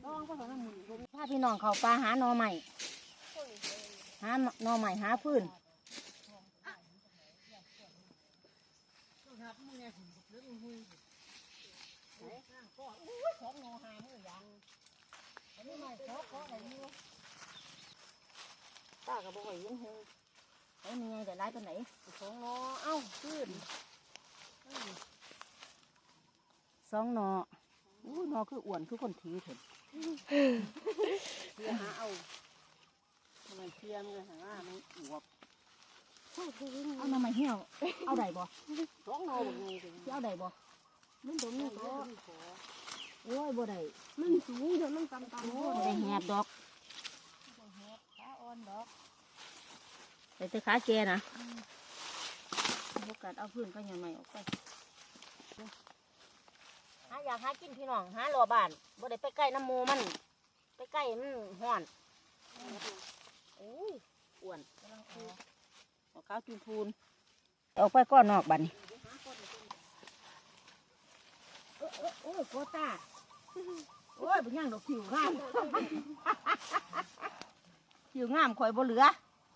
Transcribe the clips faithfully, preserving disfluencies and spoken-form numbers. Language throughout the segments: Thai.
ถ้าพี่น้องเขาปลาหาหน่อใหม่หาหน่อใหม่หาพื้นป้ากับบ่อยยังเฮงไอ้มีไงแต่ร้ายไปไหนสองนอเอ้าพื้นสองนออู้นอคืออ้วนคือคนถือเถอะเสียหาเอาทำไมเทียมเลยหามันอวบเอามาใหม่เหี่ยวเอาได้บ่สองนอแบบนี้เอาได้บ่มันตรงนี้ก็โอ้ยบ่ได้มันสูงเดี๋ยวมันต่ำต่ำโอ้ได้แหบดอกขาอ่อนดอกใส่แต่ขาแกนะโอกาสเอาพื้นก็ยังไม่ออกไปหาอยากหากินพี่น้องหาหล่อบ้านบ่ได้ไปใกล้น้ำมูมันไปใกล้มันห่อนโอ้ยอ้วนเอาข้าวจุนพูนออกไปก้อนนอกบ้านนี่โอ้ยโคตาโอ้ยเป็นยังดอกผิวงามผิวงามคอยบ่เหลือ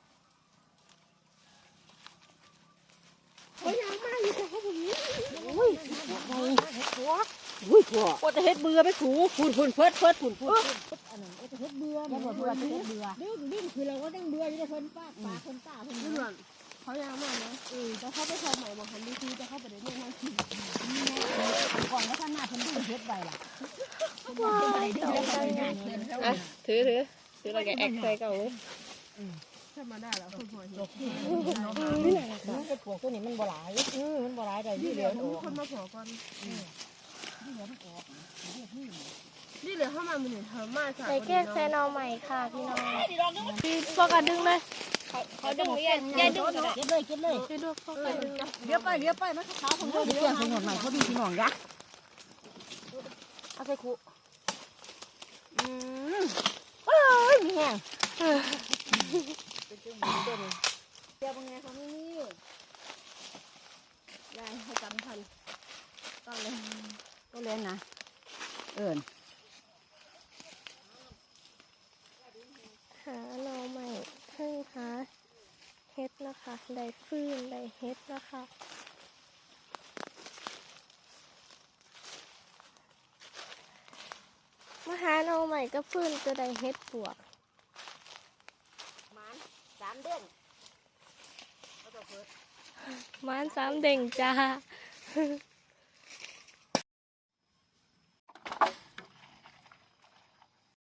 เขายังมาอยู่แต่เขาแบบนี้อุ้ยไงหัวอุ้ยหัวก็จะเฮ็ดเบื่อไปถูฝุ่นฝุ่นเพิดเพิดฝุ่นฝุ่นอันนั้นก็จะเฮ็ดเบื่อเนี่ยเบื่อจะเฮ็ดเบื่อดิ้นดิ้นคือเราก็ต้องเบื่อที่จะเพิ่นป้าปลาเพิ่นตาเพิ่นเบื่อเขายังมาเนาะเออแต่เขาไปทำใหม่บอกหันดีทีจะเข้าไปได้เนี่ยนั่งกินก่อนแล้วท่านหน้าเพิ่นดิ้นเฮ็ดไปล่ะว้าวถือถือถือเราแกแอคใส่เก่าเลยถ้ามาได้แล้วคุณพ่อเห็นนี่แหละนะไอ้พวกตัวนี้มันบ่หลายเออมันบ่หลายได้ที่เหลือมีคนมาขอก่อนที่เหลือมันออกนี่เหลือเข้ามามันเห็นเธอมาใส่ใส่แก้แซนอใหม่ค่ะพี่น้องพี่พวกกระดึงเลยเขาดึงไม่ยันยันดึงเก็บเลยเก็บเลยไปดูพวกกระดึงเลี้ยวไปเลี้ยวไปมันขาวของเราเลี้ยวไปหน่อยใหม่เขาดีพี่น้องยักษ์เอาใส่คุอืมเอ้ยมีแห้งเป็นจังหวะเดิมเจ้าเป็นไงเขาไม่นี่ยายให้จำทันต้องเลยต้องเล่นนะเอิญหาหน่อใหม่เพิ่งหาเฮ็ดนะคะได้ฟื้นได้เฮ็ดนะคะมาหาหน่อใหม่ก็ฟื้นจะได้เฮ็ดปวกมันสามเดือนมันสามเด้งจ้า